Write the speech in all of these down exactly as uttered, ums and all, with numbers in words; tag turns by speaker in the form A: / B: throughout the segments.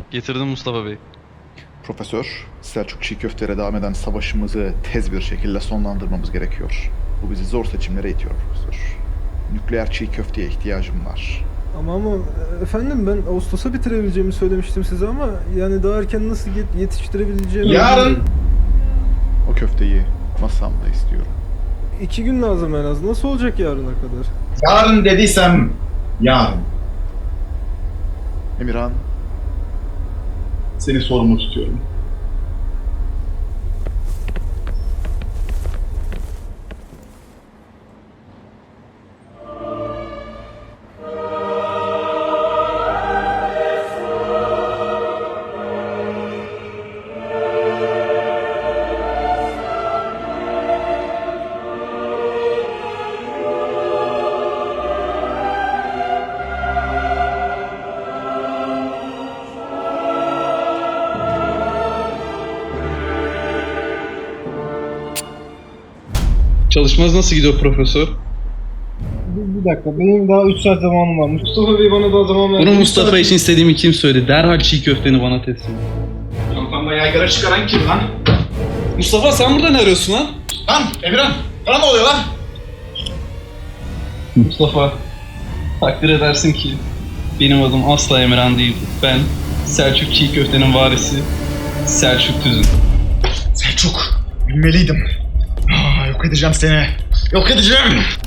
A: Getirdim Mustafa Bey.
B: Profesör, Selçuk çiğ köfteye devam eden savaşımızı tez bir şekilde sonlandırmamız gerekiyor. Bu bizi zor seçimlere itiyor profesör. Nükleer çiğ köfteye ihtiyacım var.
C: Ama ama efendim ben Ağustos'a bitirebileceğimi söylemiştim size ama yani daha erken nasıl yet- yetiştirebileceğimi...
D: Yarın.
B: O köfteyi masamda istiyorum.
C: İki gün lazım en az. Nasıl olacak yarına kadar?
D: Yarın dediysem yarın.
B: Emirhan,
D: Seni sorumlu tutuyorum.
A: Çalışmanız nasıl gidiyor profesör?
E: Bir, bir dakika, benim daha üç saat zamanım var. Mustafa Bey bana daha zaman verdi.
A: Bunu Mustafa için istediğimi kim söyledi? Derhal çiğ köfteni bana teslim et.
D: Kafamda yaygara çıkaran kim lan?
A: Mustafa sen burada ne arıyorsun lan?
D: Lan Emirhan, sana ne oluyor lan?
A: Mustafa, takdir edersin ki benim adım asla Emirhan değil. Ben Selçuk çiğ köftenin varisi Selçuk Tüzün.
D: Selçuk, bilmeliydim. Aa, yok edeceğim seni. Yok edeceğim.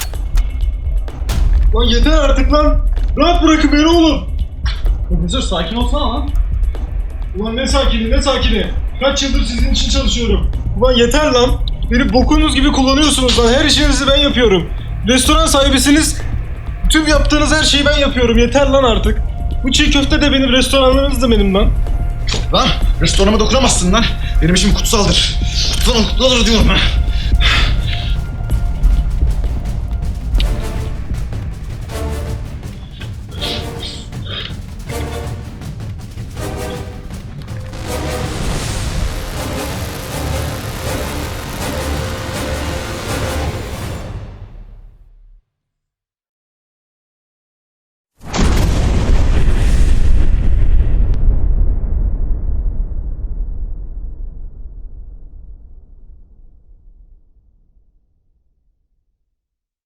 E: Lan yeter artık lan! Rahat bırakın beni oğlum!
D: Profesör sakin olsana lan.
E: Ulan ne sakini, ne sakini! Kaç yıldır sizin için çalışıyorum. Ulan yeter lan! Beni bokunuz gibi kullanıyorsunuz lan, her işinizi ben yapıyorum. Restoran sahibisiniz, tüm yaptığınız her şeyi ben yapıyorum, yeter lan artık. Bu çiğ köfte de benim, restoranlarınız da benim lan.
D: Lan restoranıma dokunamazsın lan. Benim işim kutsaldır. Kutsal kutsaldır diyorum ha.